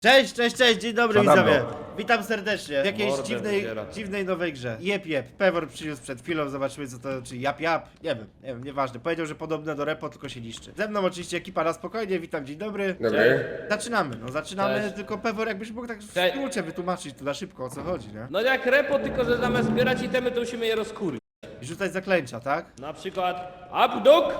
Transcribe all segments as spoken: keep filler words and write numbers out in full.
Cześć, cześć, cześć, dzień dobry Co tam widzowie. było? Witam serdecznie w jakiejś Mordę dziwnej, wybiera. dziwnej nowej grze. Jep, jep, Pewor przyniósł przed chwilą, zobaczymy co to, czy jap, jap, nie wiem, nie wiem, nieważne. Powiedział, że podobne do repo, tylko się niszczy. Ze mną oczywiście ekipa na spokojnie, witam, dzień dobry. Dobry. Zaczynamy, no zaczynamy, Cześć. tylko Pewor jakbyś mógł tak w Cześć. skrócie wytłumaczyć tu na szybko o co chodzi, nie? No jak repo, tylko że zamiast zbierać itemy, to musimy je rozkurwić. I rzucać zaklęcia, tak? Na przykład Abduk,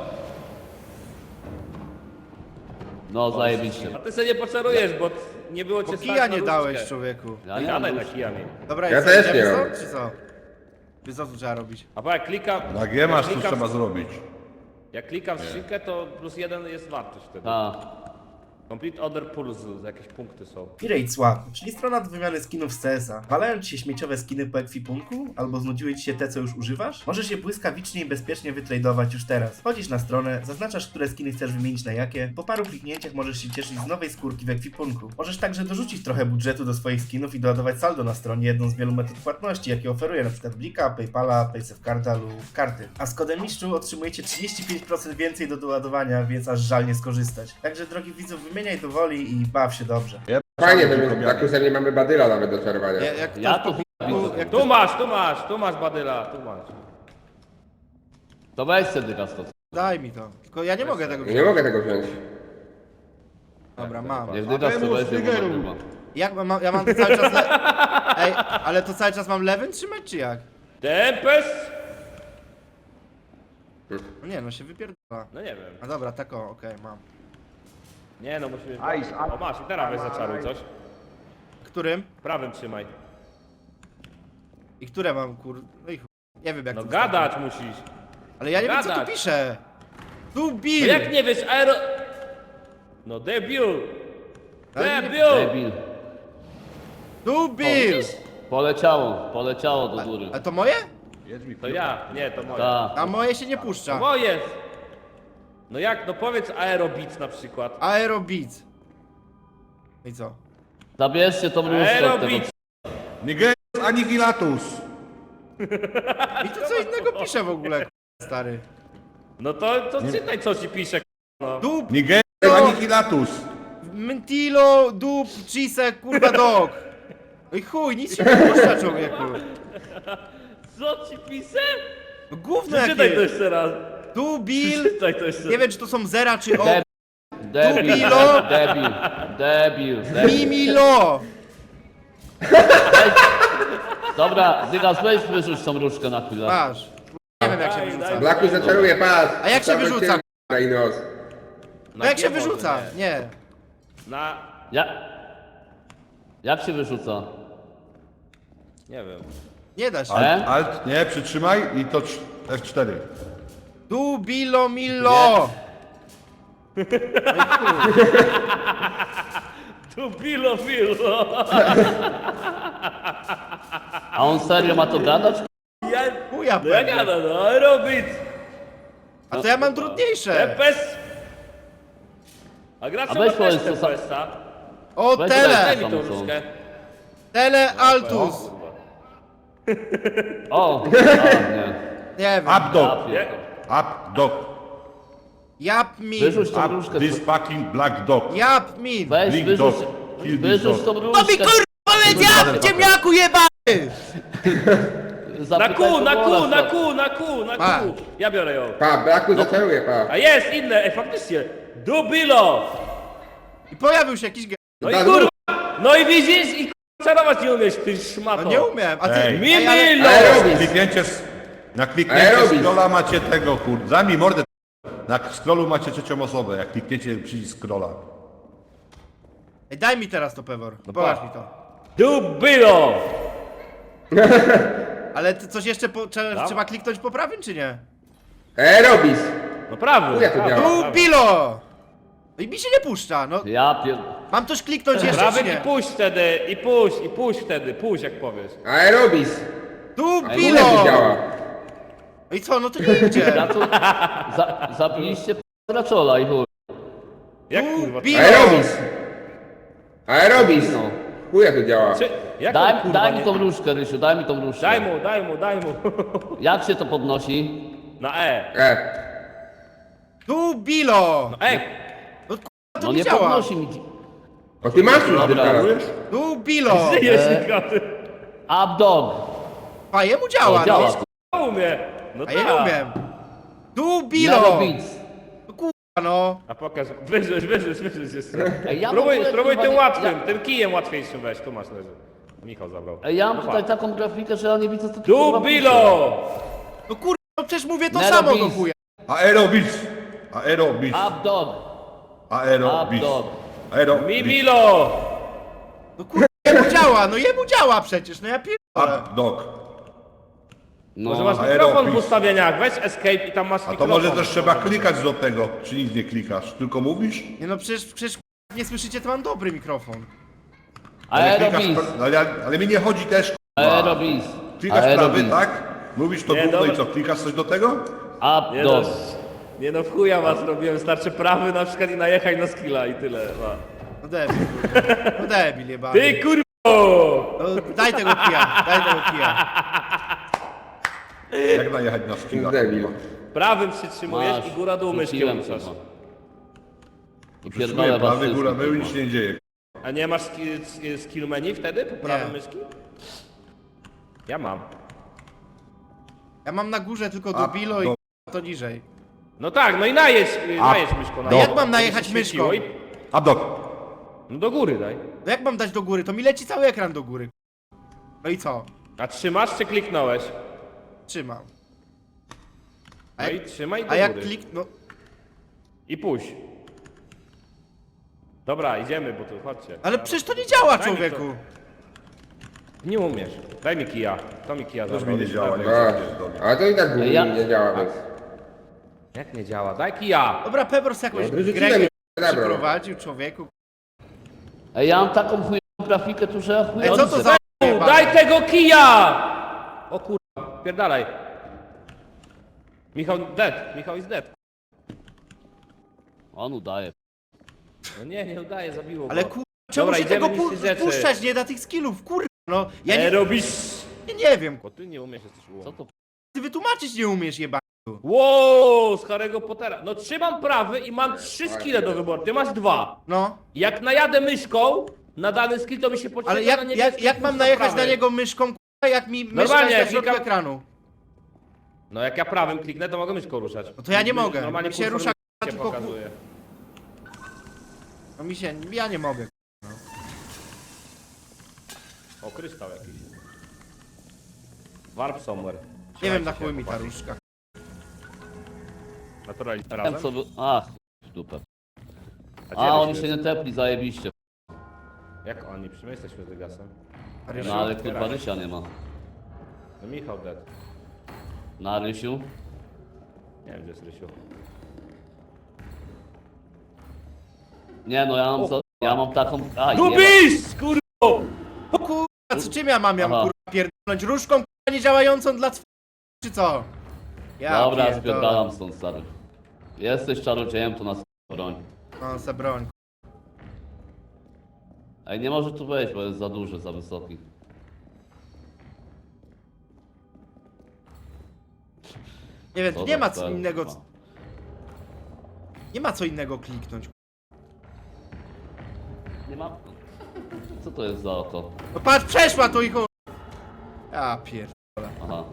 No zajebiście. a ty sobie nie poczarujesz, bo nie było cię Bo stać kija na nie różdżkę. dałeś, człowieku. Ja Nie nie mam gadaj już. na kijami. Dobra, Ja i co, też idziemy nie stąd, mam. czy co? Czy co tu trzeba robić? A bo jak klikam... Na G masz, jak co klikam- trzeba zrobić. Jak klikam w skrzynkę, to plus jeden jest wartość wtedy. A, Complete Other Pulse, jakieś punkty są. Pirate Swap, czyli strona do wymiany skinów z C S a. Walają ci się śmieciowe skiny po ekwipunku? Albo znudziły ci się te, co już używasz? Możesz je błyskawicznie i bezpiecznie wytradować już teraz. Wchodzisz na stronę, zaznaczasz, które skiny chcesz wymienić na jakie. Po paru kliknięciach możesz się cieszyć z nowej skórki w ekwipunku. Możesz także dorzucić trochę budżetu do swoich skinów i doładować saldo na stronie, jedną z wielu metod płatności, jakie oferuje np. Blika, Paypala, Paysafecarda lub karty. A z kodem mistrzu otrzymujecie trzydzieści pięć procent więcej do doładowania, więc aż żal nie skorzystać. Także drogi widzów, wymieniaj do woli i baw się dobrze. Fajnie, to my na kusem nie mamy badyla nawet do czarowania. Ja- Jak ja ktoś tu po- widzę. jak Tu masz, tu masz, tu masz Badyla, tu masz. to weź sobie to. Daj mi to. Tylko ja nie mogę tego Nie wziąć. mogę tego wziąć. Dobra, mam. Niech dygas to weźmie, bo nagrywa. Jak mam, ja mam to cały czas le... Ej, ale to cały czas mam lewym trzymać, czy jak? Tempest? No nie, no się wypierdala. No nie wiem. A dobra, tak o, okej, mam. Nie no, musimy... O masz, i teraz weź zaczaruj coś. Którym? Prawym trzymaj. I które mam, kur... No i chuj. Nie wiem jak No to gadać musisz. Ale ja nie wiem co tu gadać. pisze. Tu No Bill! jak nie wiesz, aero... No debiut! Ale nie- Debiut! Debil. Tu Bill! Poleciało, poleciało do góry. A to moje? Jedź mi To ja, nie, to moje. Ta. A moje się nie To puszcza. moje! No jak, no powiedz Aerobeats na przykład. Aerobeat. I co? Zabierzcie tą różdżkę od tego. Aerobeats! Nigeris Anihilatus. I to co innego pisze w ogóle, stary. No to, to czytaj co ci pisze, no. Dup, Nigeris Anihilatus. Mentilo, dup, cheese, kurwa dog. No i chuj, nic się nie puszcza, człowieku. Co ci pisze? No gówno Czytaj to jakie. jeszcze raz. Tu Bill. Czytaj to jeszcze Nie wiem czy to są zera czy o. Debil. Debil, Dubilo. debil, debil, debil. Mimilo. Dobra, dygas weź wyrzuć tą różdżkę na chwilę. Masz. Nie wiem jak się wyrzuca. Blaku zaczaruje, patrz. A jak się Cały wyrzuca? cień na nos. No jak się G może, wyrzuca? nie. Nie. Na... Ja... Jak się wyrzuca? Nie wiem. Nie da się. E? Alt, alt, nie, przytrzymaj i to trz- F cztery. Tu bilo milo. Tu bilo, bilo. A on serio ma to gadać? Ja... Chuja No ja pewnie. gadam, no Aerobeats. A to ja mam trudniejsze. Tempest. A gracz A ma weź też powiedz, co sa- Tempesta. O Weź Daj tele. mi tą Tam są. różkę. Tele altus. O! A, nie. Nie wiem. Updog. Nie? Updog. Jap min. Wyrzuć tą Up różdżkę. this fucking black dog. Jap min. Weź, Blink wyrzuć, dog. Kill this wyrzuć dog. tą To mi różdżkę. kurwa powiedział, ciemniaku jebany. Na Zapytaj kół, na Pogola, kół, na stary. kół, na kół, na Pa. kół. Ja biorę ją. Pa, Blaku zaczaruje, pa. A jest inne, ej faktycznie. Dubilo. I pojawił się jakiś ge... No i Da- kurwa. No i widzisz i kurwa czarować nie umiesz, ty szmato. No nie umiem. A ty... Ej. Ej, ale- Mimilo. Aerobeats. Kliknięcie z... Na kliknięcie Aerobic. scrolla macie tego, kur... Zajmij mordę. Na scrollu macie trzecią osobę, jak klikniecie przycisk scrolla. Ej, daj mi teraz to, Pewor. No Pokaż pa. mi to. Dubilo. Ale ty coś jeszcze po, trzeba, Dawaj. trzeba kliknąć po prawym, czy nie? Aerobis. No prawy. Chuja to prawy, działa. prawy. Tu bilo! No i mi się nie puszcza, no. Ja pier... Mam coś kliknąć jeszcze, Prawy czy i nie? puść wtedy, i puść, i puść wtedy, puść jak powiesz. Aerobis. Tu Chuja bilo! to działa. No i co, no to nie idzie. Ja tu... Za... Zabiliście p***raczola i chuj. Jak Tu kurwa? bilo! Aerobis. Aerobis. No. Chuja to działa. Czy, jak on, Daj, kurwa, daj mi nie- tą różdżkę, Rysiu, daj mi tą różdżkę. Daj mu, daj mu, daj mu. Jak się to podnosi? Na E. E. Tu bilo! Ej, No kurwa, to No nie nie działa. podnosi mi. O, ty masz już Dobra. teraz. Tu Bilo! Żyjesz, E. Michał, ty. Up dog. A jemu działa, O, działa. no. No umie. No A ja nie tak. umiem. Tu Nero Bilo! Beats. No kurwa, no. A pokaż, wyrzuć, wyrzuć, wyrzuć jeszcze. Ej, ja w Spróbuj, ogóle spróbuj chyba tym nie- łatwym, ja- tym kijem łatwiejszym weź, tu masz leży. Michał zabrał. Ej, ja mam No tutaj patrz. taką grafikę, że ja nie widzę co tu Tu kurwa Bilo! No kurwa, no przecież mówię to Nero samo do Beats. chuja. Aerobis! Aerobis! pisze. Up dog. Aerobis! Up dog. Mi Aerobis! Bilo! No kurwa, jemu działa, no jemu działa przecież, no ja pierdolę. Up dog! No. Może masz Aerobis. mikrofon w ustawieniach, weź escape i tam masz A to mikrofon. może też trzeba klikać do tego, czy nic nie klikasz, tylko mówisz? Nie no przecież, przecież kurwa, nie słyszycie, to mam dobry mikrofon. Ale klikasz, Aerobis. no, ale, ale mi nie chodzi też, k***a. Aerobis. Klikasz prawy, Aerobis. tak? Mówisz to Nie, gówno dobra. i co, klikasz coś do tego? Up Nie no, dog. nie no, w chuja was robiłem, starczy prawy na przykład i najechaj na skilla i tyle. No. No debil, kurwa. No debil jebany. Ty kurwo! No, daj tego kija, daj tego kija. Jak najechać na skilla? Debil. Prawym przytrzymujesz Masz. i góra dół myszki Rzuciłem ruszasz. chyba. I Przytrzymuję pierdolę was prawy, góra, wszystkich, mył i nic się nie dzieje. A nie masz skill, skill menu wtedy po prawym Nie. myszki? Ja mam. Ja mam na górze tylko A, do Bilo i do- to niżej. No tak, no i najedź, najedź myszką. A jak mam najechać Żeby się myszką? świeciło i- Up dog! No do góry daj. No jak mam dać do góry? To mi leci cały ekran do góry. No i co? A trzymasz czy kliknąłeś? Trzymam. A No jak, i trzymaj do a jak góry. klik... no... I puść. Dobra, idziemy, bo tu chodźcie. Ale przecież to nie działa, Daj mi człowieku. Nie umiesz. Daj mi kija. To mi kija Też zabrał. mi nie działa, nie A, wiem. a to i tak Ja- nie działa bez. Jak nie działa? Daj kija! Dobra, Pebros jakąś No, wyrzuciłem grę i zabrał. przyprowadził, człowieku. Ej, ja mam taką chujową grafikę tu, że ja chuj Ej, co to za... Daj tego kija! O kurwa, pierdalaj. Michał dead, Michał is dead. On udaje. No nie, nie udaje, zabiło go. Ale kur... Czemu Dobra, się idziemy tego pu niszczyć rzeczy. puszczać nie da tych skillów, kur... No, ja Ja nie, nie robisz... nie, nie wiem, Bo ty nie umiesz, jesteś ułom. Co to? ty wytłumaczyć nie umiesz, jeba. Wow, z Harry'ego Pottera. No trzymam prawy i mam trzy skille do wyboru. Ty masz dwa. No, Jak najadę myszką na dany skill, to mi się podświetla ale na jak, niebieskim jak, jak mam pusta najechać prawy. na niego myszką, kurwa, jak mi myszka Normalnie, jest na środku klika- ekranu? No jak ja prawym kliknę, to mogę myszką ruszać. No to ja nie mogę, Normalnie mi się kursor rusza, się tylko ku- pokazuje. No mi się, ja nie mogę. O, kryształ jakiś. Warp somewhere. Nie wiem na Trzymajcie chuj się, mi ta chłopaki. różka. Naturalnie Wiem razem? co by... Ach, w dupę. gdzie A, oni byśmy- się nie tepli, zajebiście. Jak oni? Przy mnie jesteśmy z Degasem. No ale kurwa Rysia nie ma. No Michał dead. Na Rysiu? Nie wiem, gdzie jest Rysiu. Nie no, ja mam, za... ja mam taką... A, jeba. Dubis! Kurwa! O kurwa, co czym ja mam, ja mam Aha. kurwa pierdolnąć różką kurwa niedziałającą dla cw... czy co? Ja Dobra, pierdolę. spierdalam stąd, stary. Jesteś czarodziejem, to nas broń. No, se broń. Ej, nie może tu wejść, bo jest za duży, za wysoki. Nie wiem, tu Co nie za ma co cel, innego... kurwa. Nie ma co innego kliknąć. Nie ma... Co to jest za oko? No patrz, przeszła to i chuj. Ja pierd... Aha.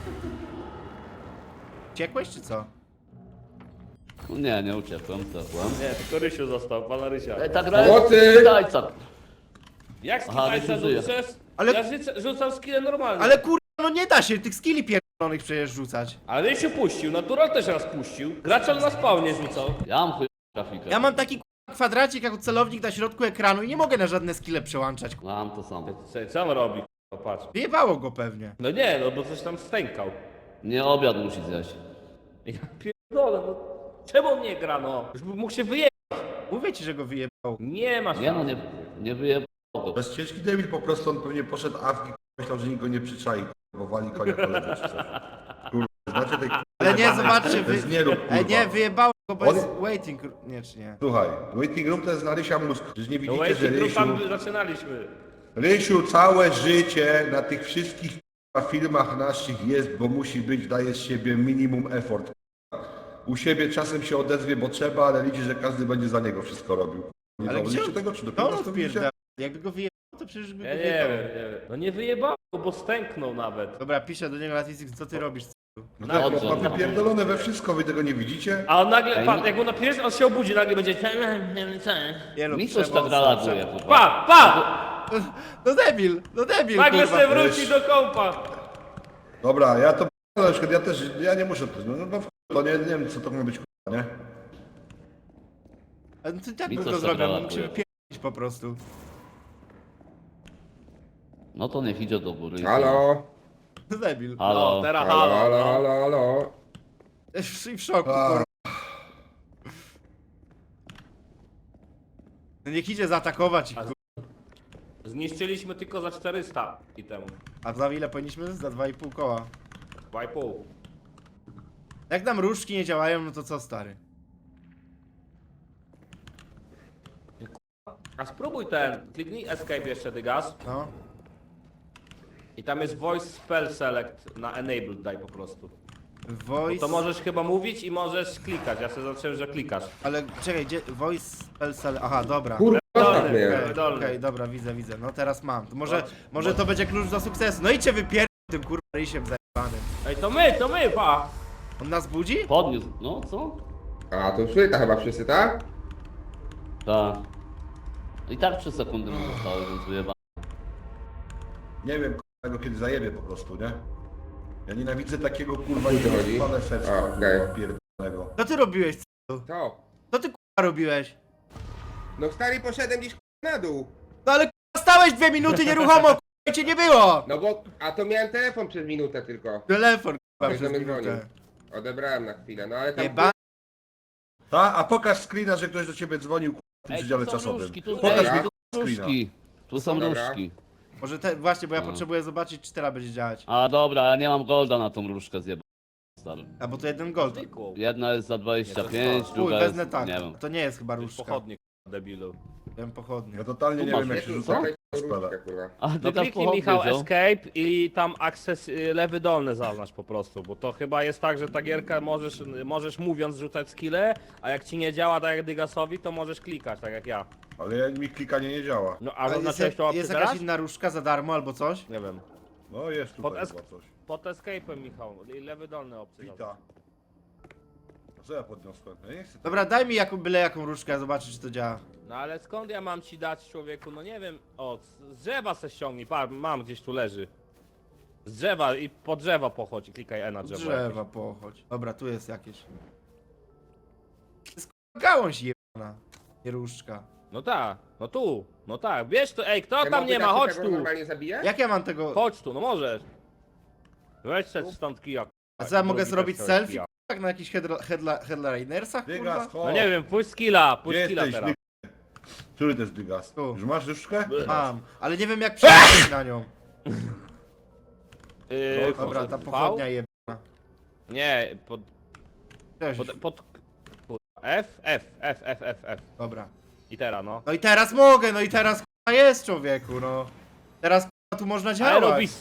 Ciekłeś czy co? No nie, nie uciekłem, tepłem. Nie, tylko Rysiu został, pana Rysia. Ej, ta gra Pomocy! jest tajca. Jak Aha, skillajca Rysiu żyje. rzucasz? Ale- Ja rzucę, rzucam skille normalnie. Ale kurwa, no nie da się tych skilli pierdolonych przecież rzucać. Ale Rysiu puścił, Natural też raz puścił. Graczol na spawnie rzucał. Ja mam chujową grafikę. Ja mam taki kurwa kwadracik jako celownik na środku ekranu i nie mogę na żadne skille przełączać. Ja mam to samo. Co, co on robi? O, patrz. Wyjebało go pewnie. No nie, no bo coś tam stękał. Nie obiad musi zjeść. Ja pierdolę, no. Czemu on nie gra, no? Już by mógł się wyjechać. Mówię ci, że go wyjebało. Nie ma Nie no, szans. nie, nie wyjebało go. To jest ciężki debil, po prostu on pewnie poszedł awki, myślał, że nikt go nie przyczai, bo wali konia koledzy czy coś. Kurwa, znacie tej Ale nie, kurwa, zobaczcie, to jest wy... nie rób, Ej, kurwa. nie, wyjebało go, bo On- jest waiting... Nie, czy nie? Słuchaj, waiting room to jest na Rysia mózg. Przecież nie No widzicie, że waiting Rysiu... room tam zaczynaliśmy. Rysiu całe życie na tych wszystkich kurwa, filmach naszych jest, bo musi być, daje z siebie minimum effort. U siebie czasem się odezwie, bo trzeba, ale liczy, że każdy będzie za niego wszystko robił. Nie Ale zauważyliście gdzie- tego, czy To dopiero on to widzicie? odpierdala. Jakby go wyjebało, to przecież by Ja go nie wiem, wyjebało. nie wiem. No nie wyjebało, bo stęknął nawet. Dobra, piszę do niego Latwicik, co ty robisz? No Na- tak, Dobrze, ma no. wypierdolone we wszystko, wy tego nie widzicie? A on nagle, Ej, pa, no- jak mu napiszesz, on się obudzi, nagle będzie... Nie lub Mi coś przemoc, tak reaguje, kurwa. Pa, pa! No debil, no debil, Nagle kurwa. se wróci wiesz. do kompa. Dobra, ja to na przykład, ja też, ja nie muszę to, no, no w- to nie, nie wiem co to ma być kurwa, nie? Ale to tak Mi bym coś to tak zrobił, mógł reaguje. się wypierdolić po prostu. No to niech idzie do góry. Halo? No debil. Halo. No, teraz Halo, halo, halo, no. halo, halo. I w szoku, A. kurwa. No niech idzie zaatakować ich, kurwa. Zniszczyliśmy tylko za czterysta i temu. A za ile powinniśmy? Za dwa i pół koła. Dwa i pół. Jak nam różdżki nie działają, no to co, stary? A spróbuj ten, kliknij escape jeszcze, Dygas. No. I tam jest voice spell select na enabled daj po prostu. Bo Voice... to możesz chyba mówić i możesz klikać. Ja sobie zobaczyłem, że klikasz. Ale czekaj, gdzie... Voice... Spell... Aha, dobra. Kurwa, Dolny, tak mnie. Okej, dolny. okej, dobra, widzę, widzę. No teraz mam. To może, Bo- może to będzie klucz do sukcesu. No idźcie wypier... tym kurwa rysiem zajebanym. Ej, to my, to my, pa! On nas budzi? Podniósł, no co? A, to szłyta chyba wszyscy, tak? Tak. I tak trzy sekundy mu zostały, więc wyjeba. Nie wiem kurwa, go kiedy zajebie po prostu, nie? Ja nienawidzę takiego kurwa O co chodzi? niewyspane serca, A, okej. kurwa, pierdolonego. Co ty robiłeś? To. Co ty kurwa robiłeś? No stary poszedłem gdzieś na dół. No ale kurwa stałeś dwie minuty nieruchomo, kurwa cię nie było! No bo, a to miałem telefon przez minutę tylko. Telefon kurwa Ktoś do przez mnie dzwonił. minutę. Odebrałem na chwilę, no ale tam... Jeba... Ta, a pokaż screena, że ktoś do ciebie dzwonił kurwa, w tym Ej, przedziale tu są czasowym. różki, tu, Pokaż ej, mi tu są screena. różki. Tu są Dobra. różki. Może te... Właśnie, bo ja No. potrzebuję zobaczyć, czy teraz będzie działać. A dobra, ja nie mam golda na tą różkę zjeba. Stary. A bo to jeden gold. Zwykłą. Jedna jest za dwadzieścia pięć, Uj, druga wezmę jest, tak. nie wiem. To nie jest chyba To jest różdżka. pochodnie, debilu. Wiem pochodnie. Ja totalnie Tu nie masz wiem jak Nie, się tu rzuca są spela. różdżkę, kurwa. A No ty tak kliknij Michał pochodnie wziął? escape i tam access y, lewy dolny zaznacz po prostu, bo to chyba jest tak, że ta gierka możesz, możesz mówiąc rzucać skille, a jak ci nie działa tak jak Dygasowi, to możesz klikać, tak jak ja. Ale ja- mi klikanie nie działa. No a Ale jest, zaznaczyłeś to opcję jest teraz? jakaś inna różdżka za darmo albo coś? Nie wiem. No jest Pod tutaj es- chyba coś. Pod escape'em Michał, i lewy dolny opcję zaznacz. Wita. A co ja podniosłem? Ja nie chcę. Dobra, daj mi jaką, byle jaką różdżkę, ja zobaczę, czy to działa. No ale skąd ja mam ci dać, człowieku, no nie wiem, o, z drzewa se ściągnij, pa, mam gdzieś tu leży. Z drzewa i po drzewa pochodź i klikaj E na drzewo. Drzewa pochodź. Dobra, tu jest jakieś. To jest k***a gałąź jebana. Nie różdżka. No tak, no tu, no tak, wiesz to, ej, kto Te tam moby nie da ma, się chodź tego tu, normalnie zabija? Jak ja mam tego... chodź tu, no możesz. Weź se stąd kija. A co ja mogę Drugi zrobić też selfie? kija. Tak na jakichś headla- headla- headlinersach, Dygas, kurwa? chodź. No nie wiem, pójdź skilla, pójdź Gdzie skilla jesteś? teraz. Dygas? Który to jest Dygas? Tu. Już masz różdżkę? Mam, ale nie wiem jak przejść na nią. Yy, Dobra, ta V? pochodnia jebana. Nie, pod, Cześć. pod, pod, kurwa, F, F, F, F, F, F. Dobra. I teraz no. No i teraz mogę, no i teraz k***a jest człowieku, no. Teraz k***a tu można działać. Aerobis.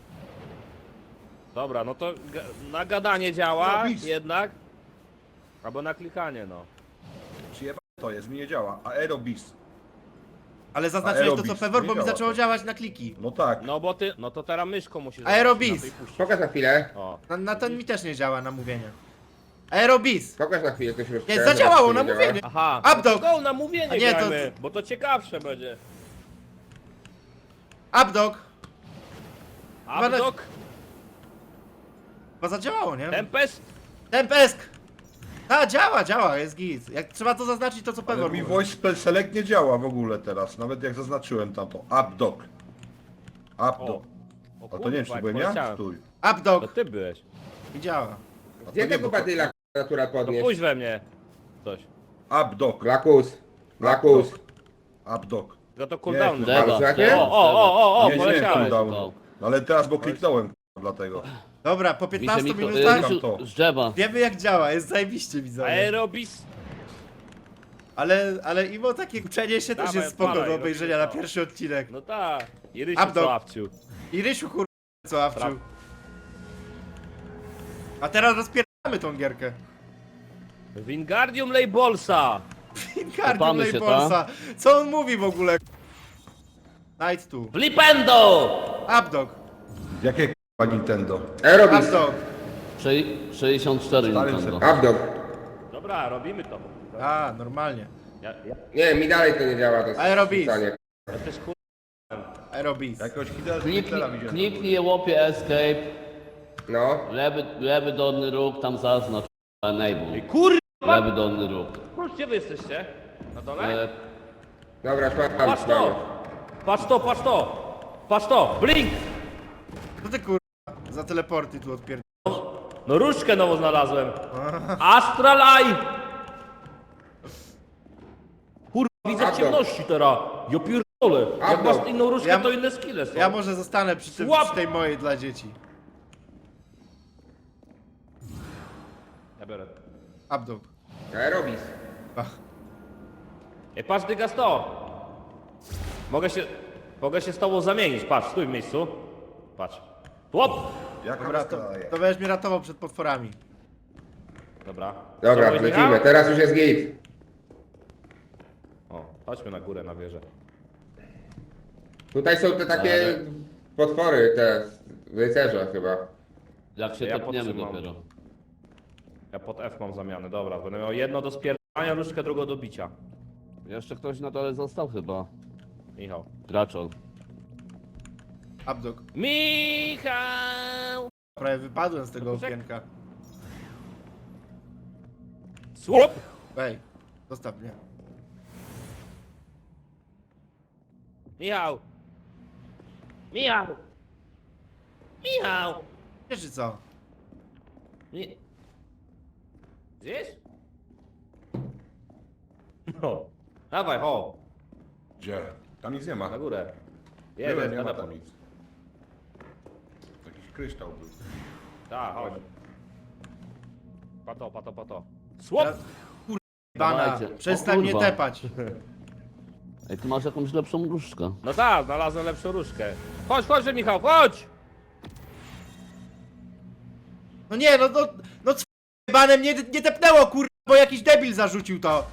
Dobra, no to ga- na gadanie działa Aerobis. jednak. Albo na klikanie, no. Przyjebane to jest, mi nie działa. Aerobis. Ale zaznaczyłeś to co Aerobis, Pewor, nie bo mi działa zaczęło to. działać na kliki. No tak. No bo ty, no to teraz myszką musisz Aerobis. zobaczyć na to i puścić. Pokaż na chwilę. O. Na, na ten mi też nie działa na mówienie. Aerobis! Pokaż na chwilę, to się Nie, zadziałało na nie działa. mówienie. Aha, Updog. no to go na mówienie A nie, to- grajmy, bo to ciekawsze będzie. Updog! Chyba- Updog, Chyba zadziałało, nie? Tempest. Tempesk! A, działa, działa, jest git. Jak trzeba to zaznaczyć, to co Ale Pewor mi mówi. voice spell select nie działa w ogóle teraz, nawet jak zaznaczyłem tamto. Updog. Updog. O A to nie wiem, czy jak byłem ja? poleciałem. Stój. To Updog! ty byłeś. I działa. A to Gdzie nie, tego bo to- badyla natura To podnieść? pójdź we mnie. Coś. Updog. Blakus. Blakus. Updog. No to cooldown. Nie, Deba, Znacie? deba, O, o, o, o, o, Nie, nie, poleciałeś. cooldownu. No. No ale teraz, bo kliknąłem, k***a, dlatego. Dobra, po Mi się piętnastu mikro... minutach y, Rysiu, to. z drzewa. wiemy jak działa, jest zajebiście widzowie. Aerobis. Ale, ale imo takie uczenie się też Dawaj, jest spoko odpalaj, do obejrzenia na robimy to. pierwszy odcinek. No tak. I Rysiu Updog. Sławciu. I Rysiu kur... co awczył. Traf. A teraz rozpierdamy tą gierkę. Wingardium Lejbolsa. Wingardium Kopamy się, Leforsa. Co on mówi w ogóle? Night tu. Flipendo! Updog. Jakie k***a Nintendo? Aerobis. Updog. Sze- sześćdziesiąt cztery Stary Nintendo. Abdog. Dobra, robimy to. A, normalnie. Ja, ja, Nie, mi dalej to nie działa, to jest Aerobis. wrzucanie. ja też kur... Aerobis. Jakiegoś Hitlera Kliknij, widziałem. kliknij łopie escape, No. lewy, lewy dolny róg, tam zaznacz enable. Kur... Lewy dolny róg. Gdzie wy jesteście? Na dole? E, Dobra, już mam, Patrz mamy. to! Patrz to, patrz to! Patrz to! Blink! Co ty kurwa? Za teleporty tu odpierd... No różdżkę nową znalazłem. Astralaj! Kurwa, widzę w Abdog. ciemności teraz. Ja pierdolę. Jak Abdog. masz inną różdżkę, Ja- to inne skille są. Ja może zostanę przy, tym, Słab. przy tej mojej dla dzieci. Ja biorę. Updog. Aerobis. Ach. Ej, patrz, dygas to! Mogę się... Mogę się z tobą zamienić. Patrz, stój w miejscu. Patrz. Łop! Jaka Dobra, to, to, to będziesz mnie ratował przed potworami. Dobra. Dobra, Co, mówisz, lecimy, Michał? teraz już jest git. O, chodźmy na górę, na wieżę. Tutaj są te takie Ale- potwory, te rycerze chyba. jak się Ja tepniemy podtrzymam. dopiero. Ja pod F mam zamianę, dobra. Będę miał jedno do spierdania, różdżkę, drugą do bicia. Jeszcze ktoś na dole został chyba. Michał. Graczol. Updog. Michał! Prawie wypadłem z tego Poczekaj. okienka. Słup! Ej, zostaw mnie. Michał! Michał! Michał! Wiesz czy co? Mi... Gdzieś? No. Dawaj, ho! Gdzie? Tam nic nie ma. Na górę. Nie, Jest, nie jest, ma na tam nic. Jakiś kryształ był. Tak, chodź. Pato, pato, pato. Słup! Bana, Dawajcie. przestań O mnie kurwa. tepać. Ej, ty masz jakąś lepszą różdżkę. No tak, znalazłem lepszą różkę. Chodź, chodź, Michał, chodź! No nie, no, no, no c... banem nie, nie tepnęło kurwa, bo jakiś debil zarzucił to.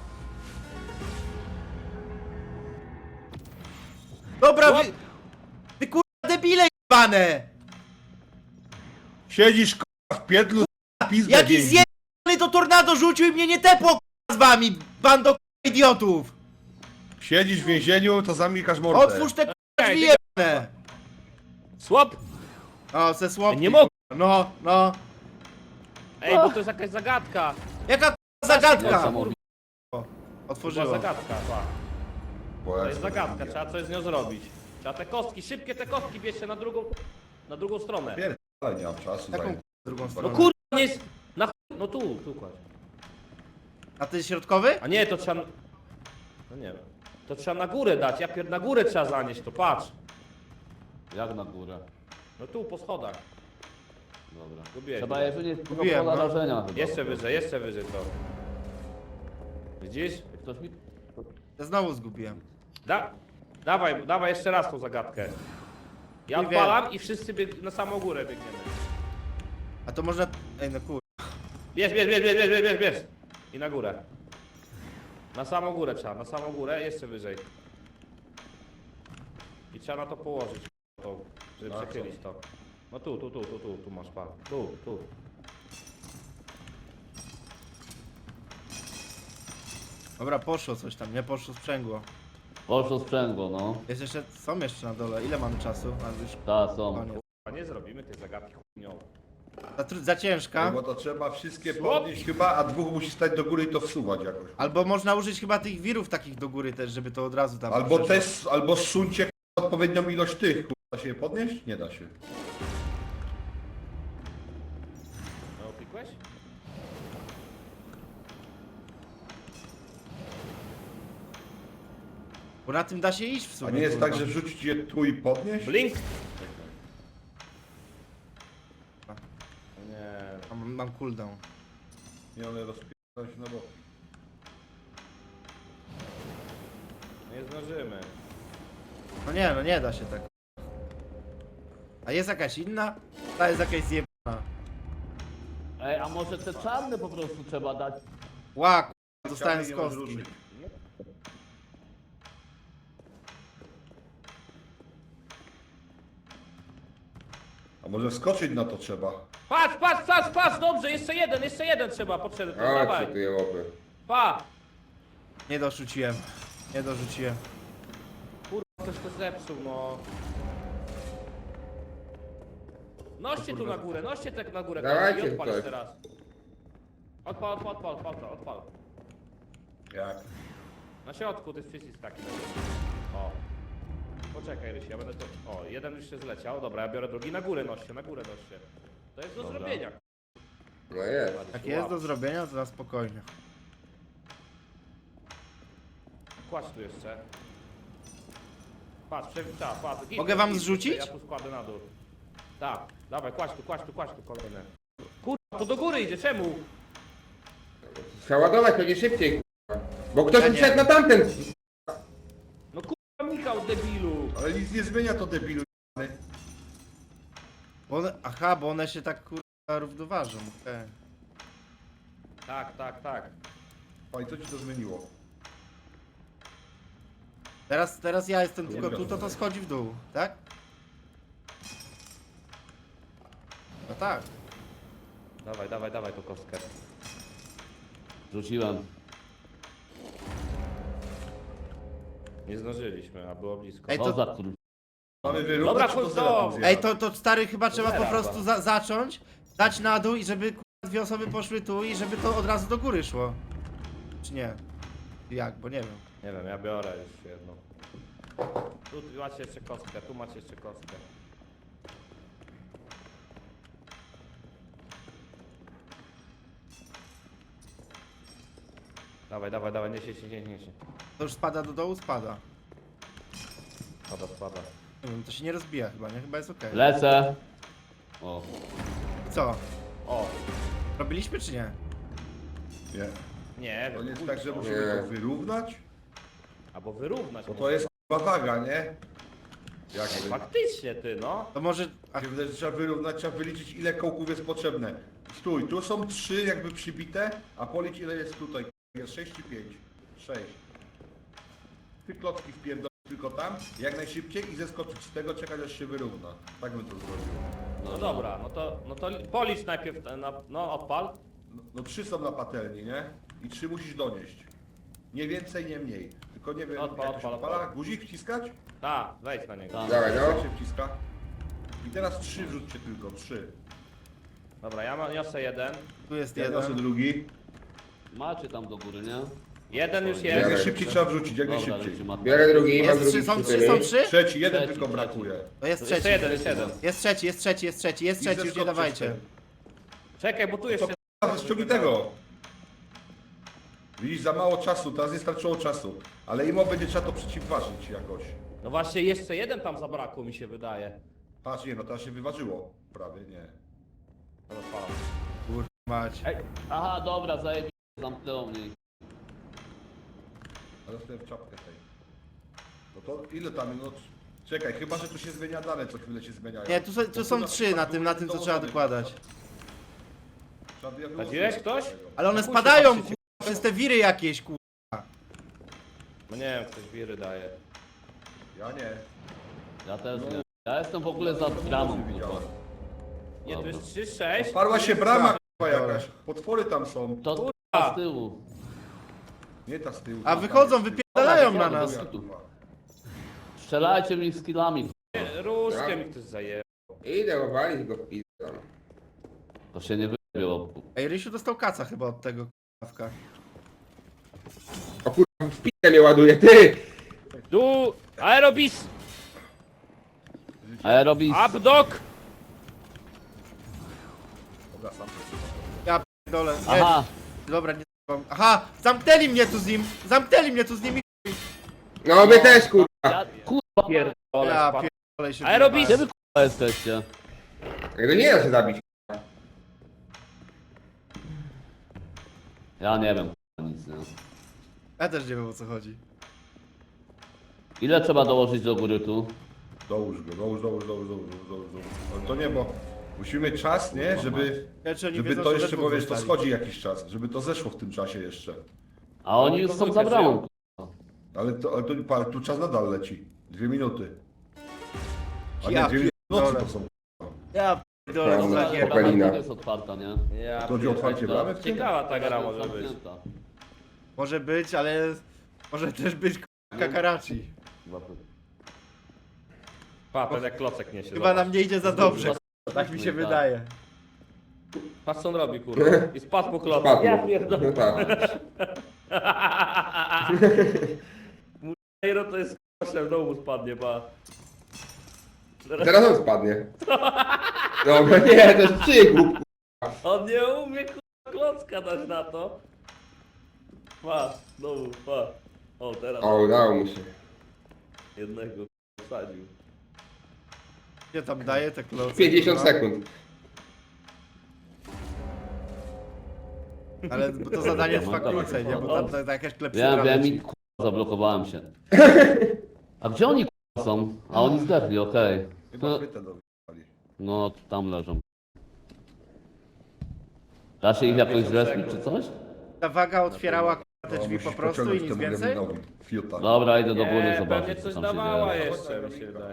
Dobra, wy... Ty kurwa debile jebane! Siedzisz k***a w piedlu, pizdę Jakiś więzi. zjebany to tornado rzucił i mnie nie tepło kurwa z wami, bando kurwa idiotów! Siedzisz w więzieniu, to zamykasz mordę. Otwórz te kurwa drzwi jebane! Słup! O, se słowki. Nie mogę! No, no. Ej, bo to jest jakaś zagadka. Jaka kurwa zagadka? Niesamowite. Była Otworzyło. zagadka, pa. Bo To ja jest sobie zagadka, nie trzeba coś z nią zrobić. Trzeba te kostki, szybkie te kostki bierzcie na drugą, na drugą stronę. wiem. Ale nie mam czasu. Taką zajmę. drugą No stronę. kurwa, nie jest... Na ch... No tu, tu kładź. A ty środkowy? A nie, to trzeba... No nie wiem. To trzeba na górę dać, ja pier... na górę trzeba zanieść, to patrz. Jak na górę? No tu, po schodach. Dobra. Zgubiłeś. Trzeba je wynieść do Mówiłem, pola no. rażenia chyba. Jeszcze wyżej, jeszcze wyżej to. Widzisz? Ktoś mi... Ja znowu zgubiłem. Da... Dawaj, dawaj jeszcze raz tą zagadkę. Ja Nie wiem. odpalam i wszyscy bieg... na samą górę biegniemy. A to można... Ej no kur... Bierz, bierz, bierz, bierz, bierz, bierz, bierz, bierz. I na górę. Na samą górę trzeba, na samą górę, jeszcze wyżej. I trzeba na to położyć, to, żeby A, przechylić to. No tu, tu, tu, tu, tu, tu masz pan. Tu, tu. Dobra, poszło coś tam, nie? Poszło sprzęgło. Poszło sprzęgło, no. Jest jeszcze... Są jeszcze na dole. Ile mamy czasu? A już Ta, są. koniec. A nie zrobimy tej zagadki chujnią. Za, tr- za ciężka. Bo to trzeba wszystkie Słop. podnieść chyba, a dwóch musi stać do góry i to wsuwać jakoś. Albo można użyć chyba tych wirów takich do góry też, żeby to od razu tam... Albo przeszło. też, albo zsuńcie k***a, odpowiednią ilość tych. k***a. Da się je podnieść? Nie da się. No, klikłeś? Bo na tym da się iść w A sumie. nie jest kurwa. tak, że wrzucić je tu i podnieść? Blink! Nie, Mam, mam cooldown. Nie, one rozpierdolą się na bok. nie zdążymy. No nie, no nie da się tak. A jest jakaś inna? Ta jest jakaś zjebana. Ej, a może te czarne po prostu trzeba dać? Ła, k***a, dostałem z Chciałbym je kostki. rozruszyć. A może wskoczyć na to trzeba? Patrz, patrz, patrz, patrz, dobrze, jeszcze jeden, jeszcze jeden trzeba, podszedł, O, dawaj. co tu je łopy. Pa! Nie dorzuciłem. Nie dorzuciłem. Kurwa, ktoś to zepsuł, no. Noście tu na górę, noście tak na górę, Dawajcie i odpal ktoś. jeszcze raz. Odpal, odpal, odpal, odpal, odpal. Jak? Na środku to jest przycisk taki. O. Poczekaj, Rysi, ja będę to... O, jeden już się zleciał, dobra, ja biorę drugi, na górę noście, na górę noście. To jest do Dobra. zrobienia. No jest. Jak jest do zrobienia, to na spokojnie. Kładź tu jeszcze. Patrz, przewita, patrz. Git, Mogę wam git, zrzucić? Ja tu składę na dół. Tak, dawaj, kładź tu, kładź tu, kładź tu kolejne. Kurwa, to do góry idzie, czemu? Trzeba ładować pewnie szybciej, kurwa. Bo ktoś Ja ja nie. wszedł na tamten. No kurwa, Michał, debilu. Ale nic nie zmienia to debilu. Bo one, aha, bo one się tak kurwa równoważą. okej. Tak, tak, tak. A i co ci to zmieniło? Teraz, teraz ja jestem Nie tylko tu, wiem. to to schodzi w dół, tak? No tak. Dawaj, dawaj, dawaj tą kostkę. Rzuciłem. Nie zdążyliśmy, a było blisko. Ej, Co to- za kur... Mamy Dobra, wyrównać, chodź to do- zero Ej, to, to stary chyba trzeba po Zera, prostu chyba. za zacząć, dać na dół i żeby kurwa, dwie osoby poszły tu i żeby to od razu do góry szło. Czy nie? Jak, bo nie wiem. Nie wiem, ja biorę już jedną. Tu macie jeszcze kostkę, tu macie jeszcze kostkę. Dawaj, dawaj, dawaj, niesie się, nie, nie się. To już spada do dołu? Spada. Spada, spada. Nie wiem, to się nie rozbija chyba, nie? Chyba jest okej. Lecę. O. Co? O, Robiliśmy czy nie? Nie. nie To wiem, nie jest kurczę. tak, że musimy Nie. to wyrównać? Albo wyrównać. Bo może. to jest chyba waga, nie? Jak Ej, wy- faktycznie ty, no. To może... Ach, Mi się wydaje, że trzeba wyrównać, trzeba wyliczyć ile kołków jest potrzebne. Stój, tu są trzy jakby przybite, a policz ile jest tutaj. Jest sześć czy pięć? sześć. Ty klocki wpierdol tylko tam, jak najszybciej i zeskoczyć z tego, czekać aż się wyrówna. Tak bym to zrobił. No dobra, no to, no to policz najpierw, ten, na, no odpal. No, no trzy są na patelni, nie? I trzy musisz donieść. Nie więcej, nie mniej. Tylko nie wiem, Odpal, jak to się odpal, odpala. odpal. Guzik wciskać? Tak, wejdź na niego. Tak. Dawaj, Jak no. się wciska? I teraz trzy wrzućcie tylko, trzy. Dobra, ja ma- niosę jeden. tu jest Ja niosę jeden. drugi. Macie tam do góry, nie? Jeden już Jak jest. Biorę. najszybciej trzeba wrzucić, jak Dobra, najszybciej. lecimy. Biorę drugi, mam Jest drugi trzy, są przy trzy, tyłu. są trzy? Trzeci, jeden Trzeci, tylko trzeci. brakuje. To jest Jeszcze trzeci. jeden, jeszcze jeden. Jest trzeci, jest trzeci, jest trzeci, jest trzeci, jest I trzeci, już nie zeskoczcie dawajcie. z tym. Czekaj, bo tu jeszcze... A, ściągnij tego! Widzisz, za mało czasu, teraz nie starczyło czasu. Ale imo będzie trzeba to przeciwważyć jakoś. No właśnie, jeszcze jeden tam zabrakło, mi się wydaje. Patrz, nie, no teraz się wyważyło. Prawie, nie. No odpalam. Kurwa mać. Ej, Aha, dobra, zajebiście, zamknęło mnie. Ale dostałem w czapkę tej. No to ile tam, no... Czekaj, chyba, że tu się zmienia dane, co chwilę się zmieniają. Nie, tu, są- tu Bo są na trzy przykład na tym, na tym co trzeba dołożone. dokładać. Trzeba by je Sadziłeś wyłożyć. ktoś? Ale one Chuj się spadają, patrzycie. kurwa, przez te wiry jakieś, kurwa. no nie wiem, ktoś wiry daje. Ja nie. Ja też nie. Ja jestem w ogóle za bramą, kurwa. Widziałem. Nie, tu Dobra. jest trzy, sześć. Parła się brama, k***a, jakaś. Potwory tam są. To Kurwa. z tyłu. Nie ta z tyłu. A ta wychodzą, jest z tyłu. wypierdalają Dobra, na dobra, nas. dobra. Strzelajcie mi skillami. Różkę mi ktoś zaje. Idę obalić go w pizdę. To się nie wybiło. Ej, Rysiu dostał kaca chyba od tego kawka. O kurwa, w pizdę mnie ładuje, ty! Tu, aerobis, Aerobis. updog. Dobra, sam. Ja pierdolę. Nie, Aha. dobra, nie mam. Aha, zamknęli mnie tu z nim! Zamknęli mnie tu z nimi! No my też kurwa. Ja, kurwa, Pierdolę, Ja spadł. pierdolę się. Aerobis! gdzie wy kurwa jesteście? Tego nie da się zabić. Ja nie wiem, kurwa, nic nie. Ja też nie wiem o co chodzi. Ile trzeba dołożyć do góry tu? Dołóż go, dołóż, dołóż, dołóż, dołóż, dołóż, dołóż. Ale to nie, bo musimy czas, nie? Żeby, Ja, czy oni żeby wiedzą, to że jeszcze, we bo dwóch wiesz, to zostali. schodzi jakiś czas, żeby to zeszło w tym czasie jeszcze. A oni Oni już to są dwójkę za bramą. żyją. kurwa. Ale, to, ale to, pa, tu czas nadal leci. Dwie minuty. A Ja nie, dwie minuty pierdolę. to są. Ja pierdolę, No, co no, za no. gierka. Popelina. To jest otwarta, nie? Ja To chodzi o pierdolę. otwarcie bramy? Ciekawa ta gra może być. Zamknięta. Może być, ale może też być k***a kakarachi. Chyba to- Pa, ten jak klocek niesie. Chyba nam nie idzie za dobrze, Chyba- tak mi się tak. wydaje. Patrz co on robi, kurwa. I spadł po klocku. Spadł. Ja pierdolę. Tak. Mujero to jest k***a, w domu spadnie, pa. Teraz on spadnie. Dobra, nie, to jest przygłup. On nie umie k***a, klocka dać na to. Pa, znowu, pa. O, teraz O, udało mu się. jednego k***a, wsadził. Gdzie tam daje te kloce? pięćdziesiąt kurwa? sekund. Ale to zadanie trwa No, krócej, nie? Bo tam to, to jakaś klepsydra Wiem, wiem leci. i k***a, zablokowałem się. A gdzie oni k***a są? A oni zdechli, okej. Chyba No, chwytę do no, tam leżą. Da się ich jakoś zrespić czy coś? Ta waga otwierała k***a, te No, drzwi musisz po prostu i pociągnąć nic temu więcej? Gremlinowi. Fiuta. Dobra, idę do góry Nie, zobaczyć, pewnie co coś tam się dawała dzieje. jeszcze, mi się wydaje.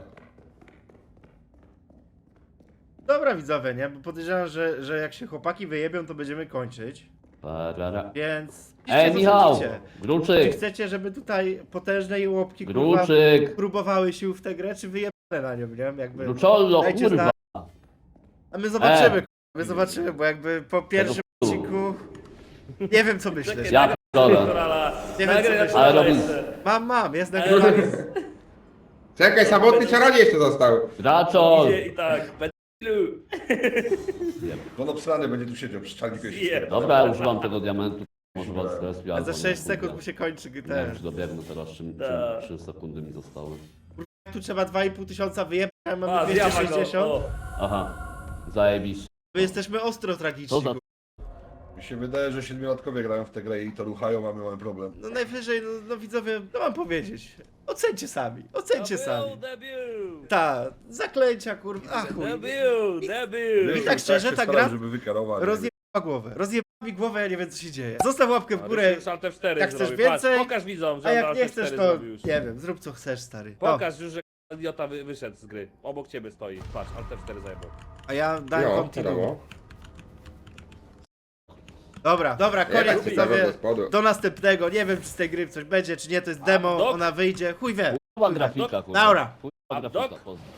Dobra widzowie, nie? Bo podejrzewam, że, że jak się chłopaki wyjebią, to będziemy kończyć. Parara. Więc... Ej, piszcie, co Michał! sądzicie. Czy Gruczyk! chcecie, żeby tutaj potężne łopki kurwa Gruczyk! próbowały sił w tę grę, czy wyjebane na nią, nie? Jakby... Gruczollo, Dajcie kurwa! znać. A my zobaczymy, E. kurwa, my zobaczymy, bo jakby po pierwszym Tego odcinku... Nie wiem co myśleć. Ja p***dolę. Nie wiem, co myśleć. Ale robisz. Mam, mam, jest nagrywany. Czekaj, samotny czarodziej jeszcze został. Graczol! Idzie i tak, pedlu. On obsrany będzie tu siedział przy czarniku. Zjeb. Dobra, ja używam tego diamentu. Może was zrespię, A albo za nie, sześć kurde. sekund mu się kończy Nie wiem, ten. czy dobiegnę teraz, czy Tak. trzy sekundy mi zostały. Tu trzeba dwa i pół tysiąca wyjebać, a A, mamy zjaba dwieście go. sześćdziesiąt. O. Aha, zajebiście. My jesteśmy ostro Co tragiczni. za... Mi się wydaje, że siedmiolatkowie grają w tę grę i to ruchają, a my mamy problem. No najwyżej, no, no widzowie, no mam powiedzieć. Ocencie sami, ocencie sami. Debiut, Ta, zaklęcia kurwa, a chuj. debiut, debiut. I tak szczerze, się ta starałem, gra żeby wykarować. rozjebała głowę. Rozjebała mi głowę, ja nie wiem co się dzieje. Zostaw łapkę w górę, Alt F cztery jak chcesz zrobił. Patrz, więcej, pokaż widzom, że a on jak Alt nie F cztery chcesz to, zrobił już. nie wiem, zrób co chcesz stary. O, Pokaż już, że idiota wy, wyszedł z gry. Obok ciebie stoi. Patrz, Alt F cztery zajebał. a ja dałem Jo, continue. wiadomo. Dobra, dobra, Ja tak koniec ciekawe widzowie. do spodu. Do następnego, nie wiem czy z tej gry coś będzie, czy nie, to jest demo, dok- ona wyjdzie, chuj wie. Kurwa grafika, kurwa. Dobra. Kurwa grafika, Abdok? pozdro.